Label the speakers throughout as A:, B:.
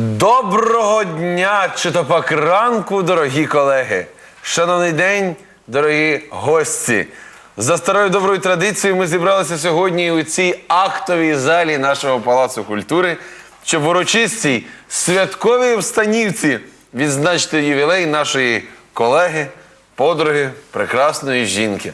A: Доброго дня, чи то пак ранку, дорогі колеги. Шановний день, дорогі гості. За старою доброю традицією ми зібралися сьогодні у цій актовій залі нашого Палацу культури, щоб в урочистій святковій встанівці відзначити ювілей нашої колеги, подруги, прекрасної жінки.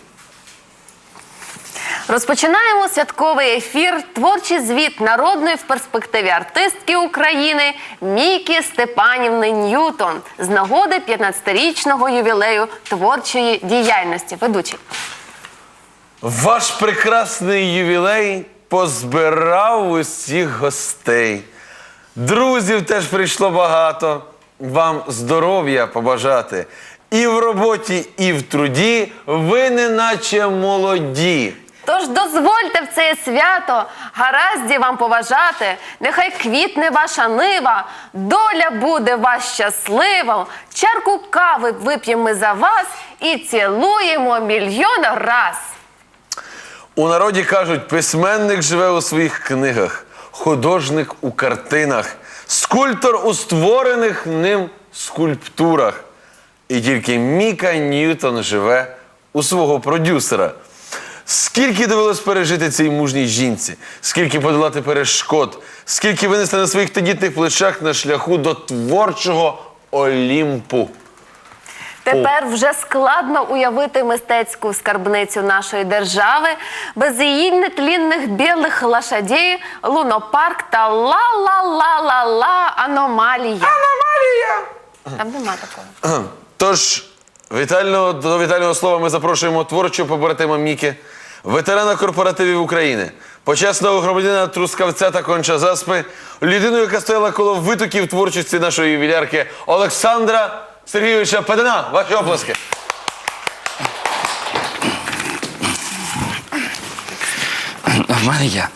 B: Розпочинаємо святковий ефір «Творчий звіт народної в перспективі артистки України Міки Степанівни Ньютон» з нагоди 15-річного ювілею творчої діяльності. Ведучий.
A: Ваш прекрасний ювілей позбирав усіх гостей. Друзів теж прийшло багато. Вам здоров'я побажати. І в роботі, і в труді ви неначе молоді.
B: Тож дозвольте в це свято гаразді вам поважати, нехай квітне ваша нива, доля буде вас щаслива, чарку кави вип'ємо ми за вас і цілуємо мільйон раз.
A: У народі кажуть, письменник живе у своїх книгах, художник у картинах, скульптор у створених ним скульптурах. І тільки Міка Ньютон живе у свого продюсера. Скільки довелось пережити цій мужній жінці, скільки подолати перешкод, скільки винести на своїх тендітних плечах на шляху до творчого Олімпу.
B: Тепер вже складно уявити мистецьку скарбницю нашої держави без її нетлінних білих лошадей, лунопарк та ла-ла-ла-ла-ла аномалія.
A: Аномалія!
B: Там нема такого.
A: Тож, до вітального слова ми запрошуємо творчого побратима Міки, ветерана корпоративів України, почесного громадянина Трускавця та Конча-Заспи, людину, яка стояла коло витоків творчості нашої ювілярки Олександра Сергійовича Педана. Ваші оплески.
C: В мене є.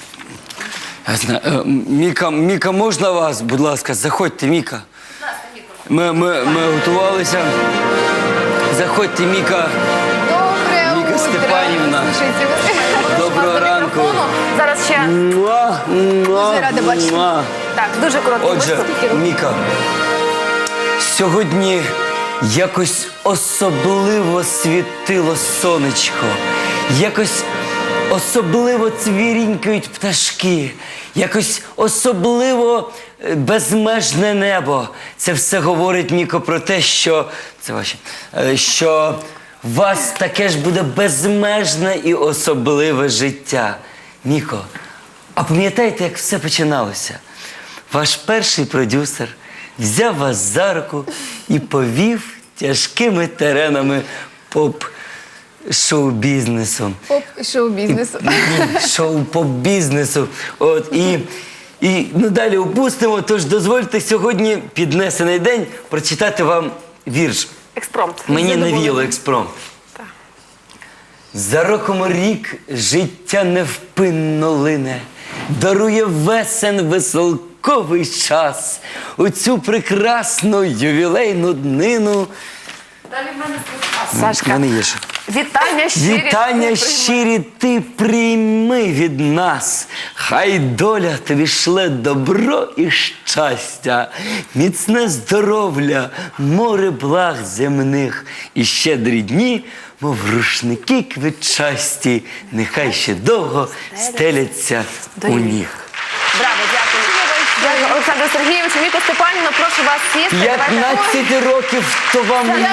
C: Міка, можна вас, будь ласка, заходьте, Міка. Ми готувалися. Заходьте, Міка. Міка Степанівна. Доброго ранку.
B: Зараз ще.
C: Дуже
B: рада бачити. Так, дуже короткий
C: Отже,
B: виступ.
C: Міка, сьогодні якось особливо світило сонечко, якось особливо цвірінькають пташки, якось особливо безмежне небо. Це все говорить, Міко, про те, що... Це ваше. Що у вас таке ж буде безмежне і особливе життя. Міко, а пам'ятаєте, як все починалося? Ваш перший продюсер взяв вас за руку і повів тяжкими теренами поп-шоу-бізнесу.
D: Поп-шоу-бізнесу.
C: Шоу-поп-бізнесу. І далі опустимо, тож дозвольте сьогодні, піднесений день, прочитати вам вірш.
B: Експромт.
C: Мені навіяло експромт. За роком рік життя невпинно лине, дарує весен веселковий час. У цю прекрасну ювілейну днину.
B: Далі в мене Сашка.
C: В мене є ще.
B: Вітання
C: щирі ти прийми від нас. Хай доля тобі шле добро і щастя, міцне здоров'я, море благ земних і щедрі дні, мов рушники квітчасті, нехай ще довго стеляться у ніг.
B: Браво, дякую. Дякую, Олександру Сергійовичу. Міко Степанівна, прошу вас сісти.
C: 15 років, то вам не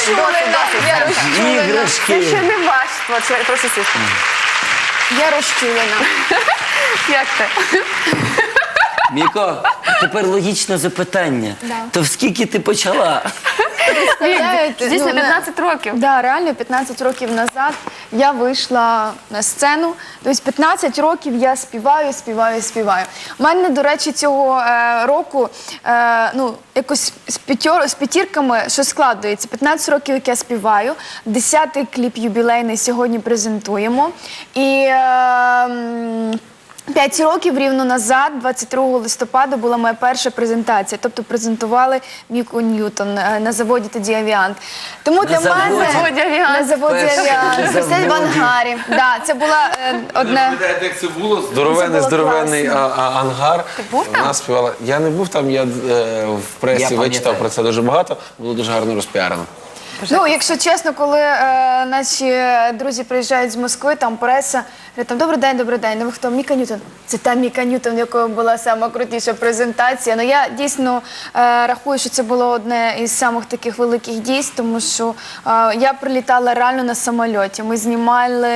C: іграшки.
B: Це ще не ваш творчий. Прошу сісти.
D: Я розчулена.
B: Як ти?
C: Міко, тепер логічне запитання.
D: Да.
C: То в скільки ти почала?
B: Дійсно, 15 років.
D: Да, реально 15 років назад я вийшла на сцену. Тобто 15 років я співаю. У мене, до речі, цього року якось з п'ятірками що складується. 15 років, як я співаю, 10-й кліп юбілейний сьогодні презентуємо. І 5 років рівно назад, 22 листопада, була моя перша презентація. Тобто презентували Міку Ньютон на заводі тоді «Авіант». Тому для
C: заводі?
D: мене
B: Заводі «Авіант».
D: на заводі
C: Перший
D: «Авіант».
C: на
D: Це в
C: заводі.
D: ангарі. Да, це була одне.
A: Пам'ятаєте, як це було? Здоровенний,
D: Це було
A: здоровенний
D: класно.
A: ангар.
B: Ти був там?
A: Вона співала. Я не був там, я в пресі
C: Я
A: вичитав
C: пам'ятаю.
A: про це дуже багато. Було дуже гарно розпіарено.
D: Ну, якщо чесно, коли наші друзі приїжджають з Москви, там преса, говорять, там, добрий день, ну ви хто? Міка Ньютон. Це та Міка Ньютон, в якої була сама крутіша презентація. Ну, я дійсно рахую, що це було одне із самих таких великих дійств, тому що я прилітала реально на самольоті. Ми знімали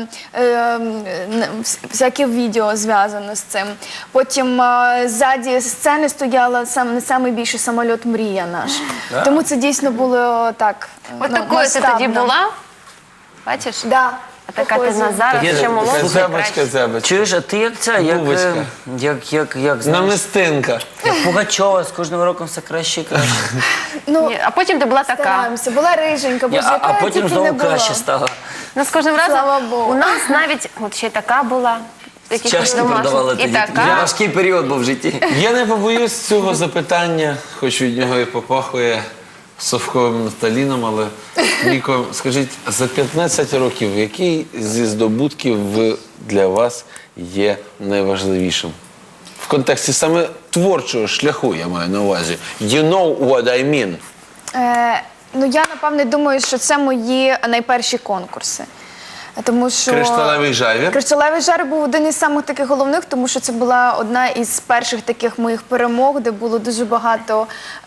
D: всяке відео зв'язане з цим. Потім ззаді сцени стояла найбільший самоліт «Мрія» наш. Тому це дійсно було так.
B: От такою ти тоді була? Бачиш?
D: Да.
B: А така ти на зараз,
C: Є
B: ще
C: така
B: молодша.
A: Така зебочка,
B: краще.
A: зебочка.
C: Чуєш, а ти як це? Як,
A: Бубочка.
C: як знаєш,
A: Намистинка.
C: як Пугачова, з кожним роком все краще і краще.
D: Ну,
B: Ні, а потім ти була така.
D: стараємося. Була риженька, боже,
C: А
D: яка я
C: потім
D: тільки не
C: знову
D: була.
C: краще стало.
B: Ну, з кожним разом
D: Слава Богу.
B: у нас навіть, от ще й така була. якісь
C: Чашки
B: домашні.
C: продавали
B: І
C: тоді.
B: така.
C: Важкий період був в житті.
A: Я не побоюсь цього запитання, хоч від нього і попахує совковим нафталіном, але Міко, скажіть, за 15 років, який зі здобутків для вас є найважливішим? В контексті саме творчого шляху, я маю на увазі. You know what I mean.
D: Ну, я, напевне, думаю, що це мої найперші конкурси. Тому що
A: Кришталевий жавір.
D: Кришталевий жар був один із самих таких головних, тому що це була одна із перших таких моїх перемог, де було дуже багато.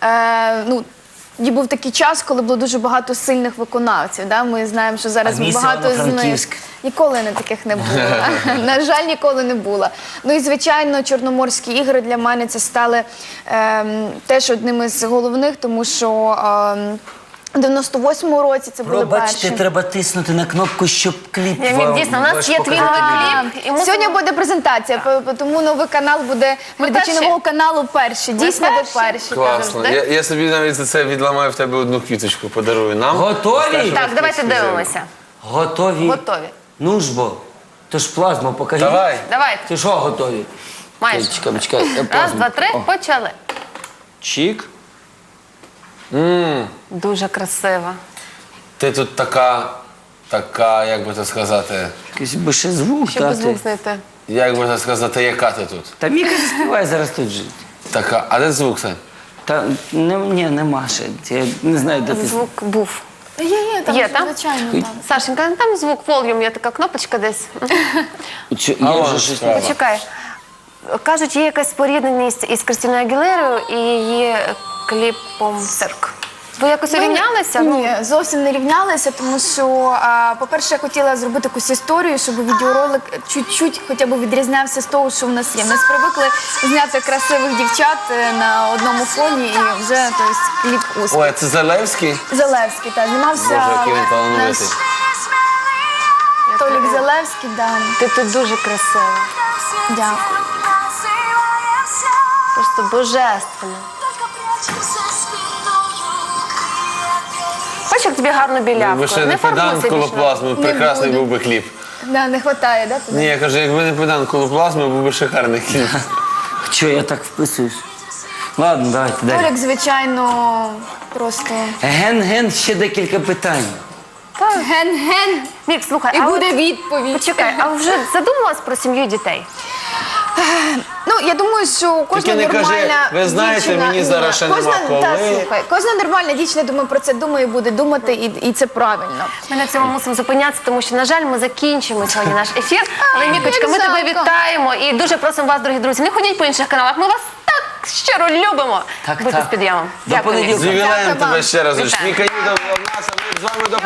D: Був такий час, коли було дуже багато сильних виконавців. Да? Ми знаємо, що зараз
C: А місто
D: багато з них
C: Івано-Франківськ?
D: ніколи не таких не було. На жаль, ніколи не було. Ну і звичайно, Чорноморські ігри для мене це стали теж одним із головних, тому що у 98-му році це були
C: Пробачте,
D: перші.
C: треба тиснути на кнопку, щоб кліп
B: Ні,
C: вам
B: дійсно, у нас
C: ваш
B: є твій
C: показати.
B: новий кліп. І ми
D: Сьогодні буде презентація, тому новий канал буде, глядачі
B: перші.
D: нового каналу перші. Дійсно, ви
B: перші.
D: перші.
A: Класно.
B: Завжди.
A: Я собі навіть за це відламаю в тебе одну квіточку, подарую нам.
C: Готові?
B: Так, давайте дивимося.
C: Готові?
B: Готові.
C: Ну ж бо. То ж плазму покажи.
A: Давай.
B: Давайте.
C: Ти що готові?
B: Майже.
C: Чекай.
B: Раз, два, три, почали.
A: Чік.
B: Дуже красиво.
A: Ти тут така, як би це сказати,
C: Якийсь би ще звук
B: Щоб
C: дати.
B: звук знайти.
A: як би це сказати, яка ти тут?
C: Та Міка заспіває зараз тут же.
A: Така, а де звук це?
C: Та ні, нема ще. Я не знаю, де ти.
B: Звук був.
D: Є, там,
B: Є, там?
D: звичайно, там.
B: Сашенька, ну там звук, волюм, є така кнопочка десь.
C: Є
A: вон
C: вже щось.
A: справа.
B: Почекай. Кажуть, є якась спорідненість із Кристиною Агілерою і її кліпом «Цирк». Ви якось урівнялися?
D: Ні, зовсім не рівнялися, тому що, по-перше, я хотіла зробити якусь історію, щоб відеоролик чуть-чуть хоча б відрізнявся з того, що в нас є. Ми привикли зняти красивих дівчат на одному фоні і вже тобто, кліп успіх.
A: Ой, а це Залевський?
D: Залевський, так, знімався
A: Боже, який він
D: наш
A: талановитий.
D: Толік Залевський, да.
B: Ти тут дуже красива.
D: Дякую.
B: Просто божественно. Бачиш, як тобі гарно білявку.
A: Якби ще не педант колоплазми, прекрасний
D: буде.
A: був би кліп.
D: Да, не вистачає, да? туди?
A: Ні, я кажу, якби не педант колоплазми, був би шикарний кліп.
C: Чого я так вписуюсь? Ладно, давайте далі.
D: Толік, звичайно, просто
C: Ген-ген, ще декілька питань.
D: ген-ген.
B: Мік, слухай,
D: І
B: а
D: буде
B: от-
D: відповідь.
B: Почекай, а вже задумалась про сім'ю і дітей?
D: Ну, я думаю, що кожна
A: не кажи,
D: нормальна
A: ви знаєте,
D: дівчина...
A: мені зараз ще
D: кожна,
A: нема коли.
D: Та, слухай, кожна нормальна дівчина, думаю, про це думає, буде думати, і це правильно.
B: Ми на цьому мусимо зупинятися, тому що, на жаль, ми закінчимо сьогодні наш ефір. Але, Мікочка, ми
D: як
B: тебе
D: жалко.
B: вітаємо і дуже просимо вас, дорогі друзі, не ходіть по інших каналах. Ми вас так щиро любимо.
C: Так,
B: Будьте
C: так.
B: з підйомом.
C: До
B: Дякую, Мік.
C: понеділка.
A: З ювілеєм
D: Дякую
A: тебе
D: вам.
A: ще раз.
B: Вітаю.
A: Міка Ньютон була в нас, а ми з вами до